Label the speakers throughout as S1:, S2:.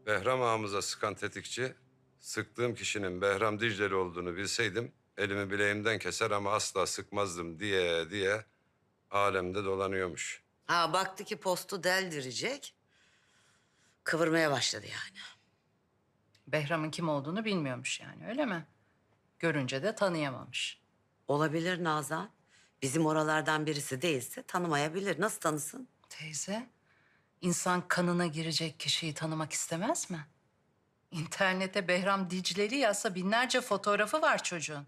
S1: Behram ağamıza sıkan tetikçi, sıktığım kişinin Behram Dicleli olduğunu bilseydim elimi bileğimden keser ama asla sıkmazdım diye alemde dolanıyormuş.
S2: Ha baktı ki postu deldirecek. Kıvırmaya başladı yani.
S3: Behram'ın kim olduğunu bilmiyormuş yani, öyle mi? Görünce de tanıyamamış.
S2: Olabilir Nazan. Bizim oralardan birisi değilse tanımayabilir. Nasıl tanısın?
S3: Teyze, insan kanına girecek kişiyi tanımak istemez mi? İnternete Behram Dicleli yazsa binlerce fotoğrafı var çocuğun.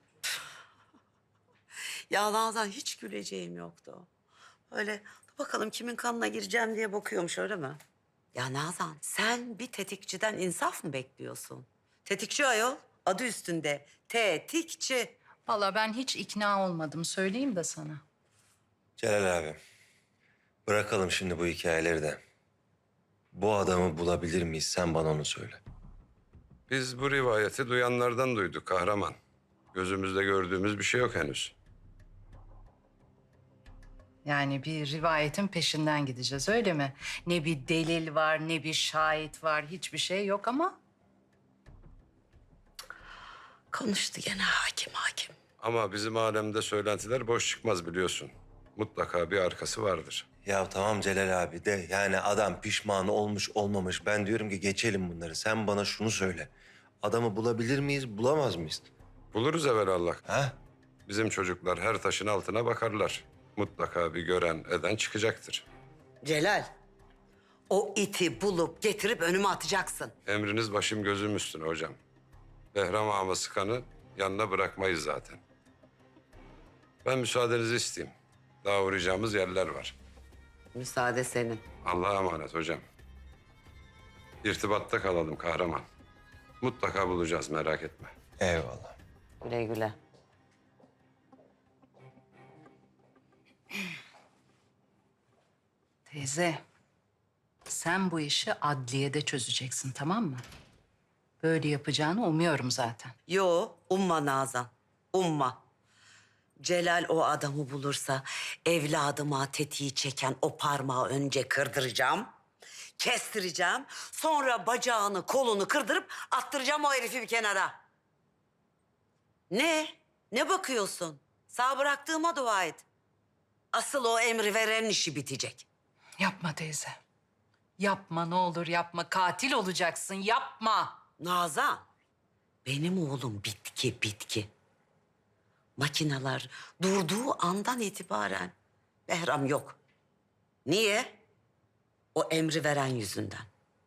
S2: Ya Nazan hiç güleceğim yoktu. Öyle bakalım kimin kanına gireceğim diye bakıyormuş öyle mi? Ya Nazan sen bir tetikçiden insaf mı bekliyorsun? Tetikçi ayol adı üstünde tetikçi.
S3: Vallahi ben hiç ikna olmadım, söyleyeyim de sana.
S4: Celal abi, bırakalım şimdi bu hikayeleri de. Bu adamı bulabilir miyiz? Sen bana onu söyle.
S1: Biz bu rivayeti duyanlardan duyduk kahraman. Gözümüzde gördüğümüz bir şey yok henüz.
S3: Yani bir rivayetin peşinden gideceğiz, öyle mi? Ne bir delil var, ne bir şahit var, hiçbir şey yok ama...
S2: Konuştu gene hakim.
S1: Ama bizim alemde söylentiler boş çıkmaz biliyorsun. Mutlaka bir arkası vardır.
S4: Ya tamam Celal abi de yani adam pişman olmuş olmamış. Ben diyorum ki geçelim bunları. Sen bana şunu söyle. Adamı bulabilir miyiz, bulamaz mıyız?
S1: Buluruz evvelallah.
S4: Ha?
S1: Bizim çocuklar her taşın altına bakarlar. Mutlaka bir gören eden çıkacaktır.
S2: Celal o iti bulup getirip önüme atacaksın.
S1: Emriniz başım gözüm üstüne hocam. Behram ağama sıkanı yanına bırakmayız zaten. Ben müsaadenizi isteyeyim. Daha uğrayacağımız yerler var.
S2: Müsaade senin.
S1: Allah'a emanet hocam. İrtibatta kalalım kahraman. Mutlaka bulacağız merak etme.
S4: Eyvallah.
S2: Güle güle.
S3: Teyze, sen bu işi adliyede çözeceksin, tamam mı? Böyle yapacağını umuyorum zaten.
S2: Yo, umma Nazan. Umma. Celal o adamı bulursa evladıma tetiği çeken o parmağı önce kırdıracağım. Kestireceğim. Sonra bacağını, kolunu kırdırıp attıracağım o herifi bir kenara. Ne? Ne bakıyorsun? Sağ bıraktığıma dua et. Asıl o emri veren işi bitecek.
S3: Yapma teyze. Yapma ne olur yapma. Katil olacaksın, yapma.
S2: Nazan, benim oğlum bitki. Makineler durduğu andan itibaren Behram yok. Niye? O emri veren yüzünden.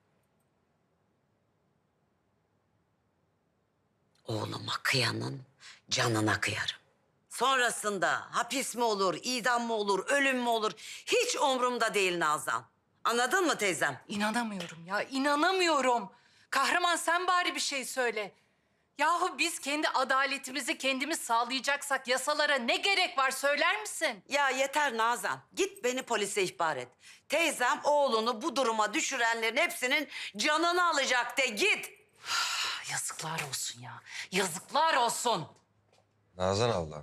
S2: Oğluma kıyanın canına kıyarım. Sonrasında hapis mi olur, idam mı olur, ölüm mü olur hiç umurumda değil Nazan. Anladın mı teyzem?
S3: İnanamıyorum ya, inanamıyorum. Kahraman sen bari bir şey söyle. Yahu biz kendi adaletimizi kendimiz sağlayacaksak yasalara ne gerek var söyler misin?
S2: Ya yeter Nazan. Git beni polise ihbar et. Teyzem oğlunu bu duruma düşürenlerin hepsinin canını alacak de git.
S3: Yazıklar olsun ya, yazıklar olsun.
S4: Nazan abla.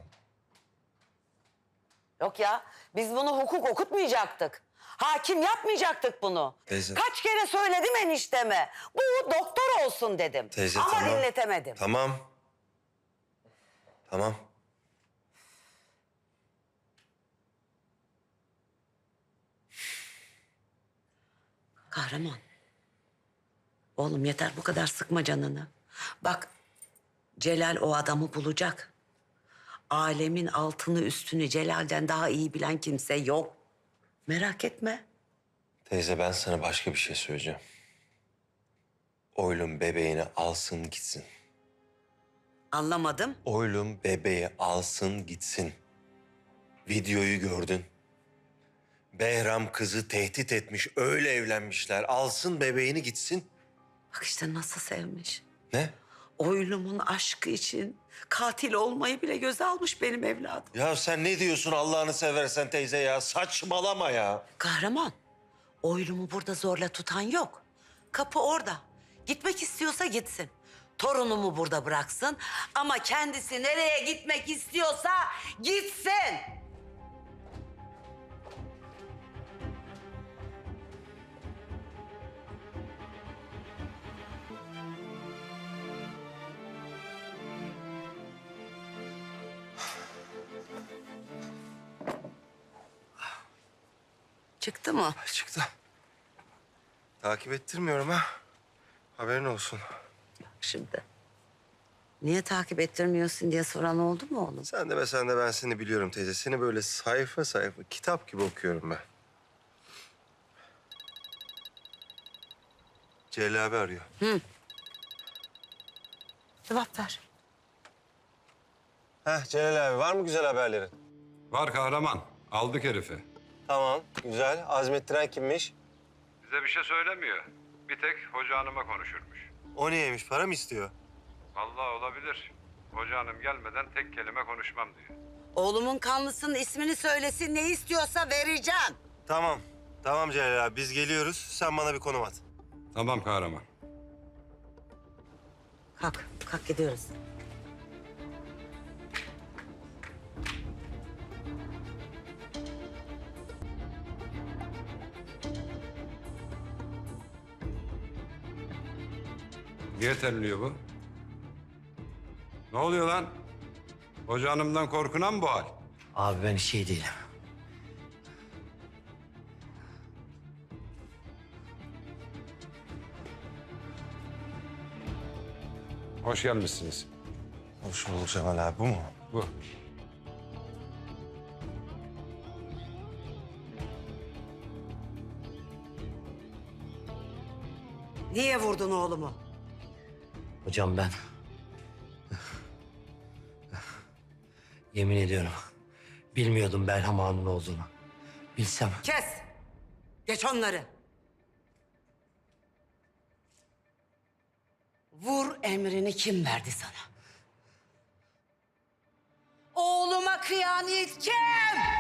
S2: Yok ya biz bunu hukuk okutmayacaktık. Hakim yapmayacaktık bunu.
S4: Teyze.
S2: Kaç kere söyledim enişteme. Bu doktor olsun dedim.
S4: Teyze
S2: Ama
S4: tamam.
S2: dinletemedim.
S4: Tamam. Tamam.
S2: Kahraman. Oğlum yeter bu kadar sıkma canını. Bak Celal o adamı bulacak. Alemin altını üstünü Celal'den daha iyi bilen kimse yok. Merak etme.
S4: Teyze ben sana başka bir şey söyleyeceğim. Oylum bebeğini alsın gitsin.
S2: Anlamadım.
S4: Oylum bebeği alsın gitsin. Videoyu gördün. Behram kızı tehdit etmiş, öyle evlenmişler. Alsın bebeğini gitsin.
S2: Bak işte nasıl sevmiş.
S4: Ne?
S2: Oylumun aşkı için katil olmayı bile göze almış benim evladım.
S4: Ya sen ne diyorsun Allah'ını seversen teyze ya? Saçmalama ya.
S2: Kahraman, oylumu burada zorla tutan yok. Kapı orada. Gitmek istiyorsa gitsin. Torunumu burada bıraksın ama kendisi nereye gitmek istiyorsa gitsin. Çıktı mı?
S4: Çıktı. Takip ettirmiyorum ha. Haberin olsun.
S2: Şimdi. Niye takip ettirmiyorsun diye soran oldu mu oğlum?
S4: Sen de ben seni biliyorum teyze. Seni böyle sayfa sayfa kitap gibi okuyorum ben. Celal abi arıyor.
S2: Cevap ver.
S4: Celal abi var mı güzel haberlerin?
S1: Var kahraman. Aldık herifi.
S4: Tamam, güzel. Azmettiren kimmiş?
S1: Bize bir şey söylemiyor. Bir tek hoca hanıma konuşurmuş.
S4: O niyeymiş? Para mı istiyor?
S1: Vallahi olabilir. Hoca hanım gelmeden tek kelime konuşmam diyor.
S2: Oğlumun kanlısının ismini söylesin, ne istiyorsa vereceğim.
S4: Tamam. Tamam Celal abi biz geliyoruz. Sen bana bir konum at.
S1: Tamam kahraman.
S2: Kalk gidiyoruz.
S1: Niye terliyor bu? Ne oluyor lan? Hoca hanımdan korkuna mı bu hal?
S5: Abi ben hiç iyi değilim.
S1: Hoş gelmişsiniz.
S4: Hoş bulduk Cemal abi. Bu mu?
S1: Bu.
S2: Niye vurdun oğlumu?
S5: Hocam ben... Yemin ediyorum bilmiyordum Berham Han'ın olduğunu. Bilsem
S2: Kes. Geç onları. Vur emrini kim verdi sana? Oğluma kıyamet kim?